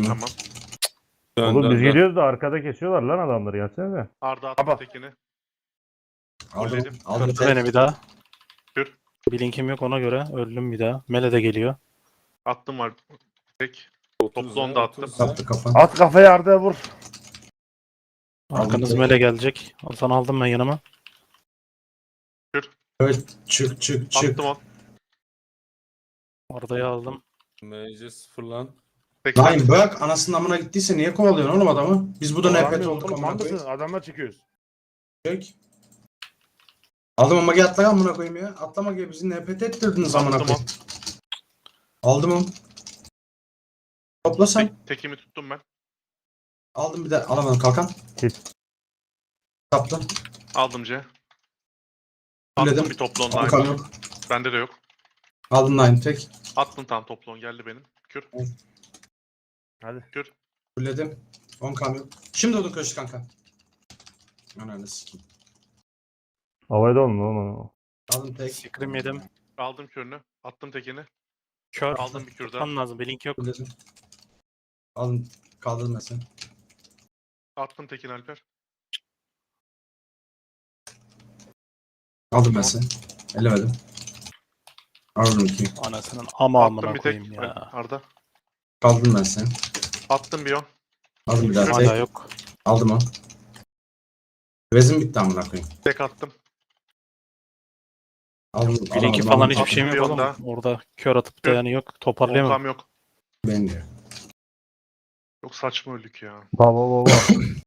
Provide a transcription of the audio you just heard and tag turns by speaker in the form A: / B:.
A: Tamam.
B: Oğlum biz geliyoruz da arkada kesiyorlar lan adamları, gelsene.
A: Arda attım
C: Baba.
A: tekini.
D: Aldım.
A: Fulledim.
D: Aldım
E: Kırdı beni
D: tek.
E: bir daha.
A: Kür.
E: Blink'im yok ona göre. Öldüm bir daha. Mele de geliyor.
A: Attım var. Tek.
C: 30'a,
A: Toplu onu da attım.
C: 30'a.
D: Kaptı kafa.
C: At kafayı Arda'ya vur.
E: Arkanız
D: tek.
E: Mele gelecek. Sana aldım ben yanıma.
D: Evet, çık çık çık.
A: Attım on.
E: Arda'yı aldım.
C: MC sıfırlan.
A: Tek.
D: Naim bırak, anasının amına gittiyse niye kovalıyorsun oğlum adamı? Biz burada NPT
C: Oğlum,
D: olduk amına
C: mal
D: koyayım.
C: mısın? Adamla çıkıyoruz.
D: Çek. Aldım ama atla amına koyayım ya. Atlama gibi bizi NPT ettirdiniz amına
A: Attım
D: koyayım. Aldım onu. Topla sen.
A: Tekimi tuttum ben.
D: Aldım bir de alamadım kalkan.
B: Git.
D: Kaptı.
A: Aldım C.
D: Fulledim.
A: Attım bir toplu on
D: Kalkan
A: Naim.
D: yok.
A: Bende de yok.
D: Aldım Naim tek.
A: Attım tam toplu on geldi benim. Kür.
C: Hadi.
D: Fulledim. 10 kamyon. Şimdi odun köşü kanka. Ananı sikeyim.
B: Havayda olma oğlum.
D: Aldım tek.
E: Sikrim yedim.
A: Aldım kürünü. Attım tekini.
E: Kör.
A: Aldım bir kür daha.
E: Tutmam lazım. Blink yok.
D: Fulledim. Aldım. Kaldırdım ben seni.
A: Attım tekini Alper.
D: Aldım ben seni. Ellemedim. Aldım iki.
E: Anasının ama
A: Attım
E: amına
A: bir tek.
E: koyayım ya.
A: Arda.
D: Kaldırdım ben seni.
A: Attım bir on.
D: Aldım bir daha
E: Hala
D: tek.
E: yok.
D: Aldım o. Vezim bitti amına koyayım.
A: Tek attım.
D: Aldım.
E: Blink'i
D: alamadım,
E: falan
D: aldım.
E: hiçbir şeyim yok
A: Onda.
E: oğlum. Orada kör atıp da yani yok. Toparlayamam.
A: Onkam yok.
D: Ben diyor.
A: Çok saçma öldük ya.
B: Baba baba.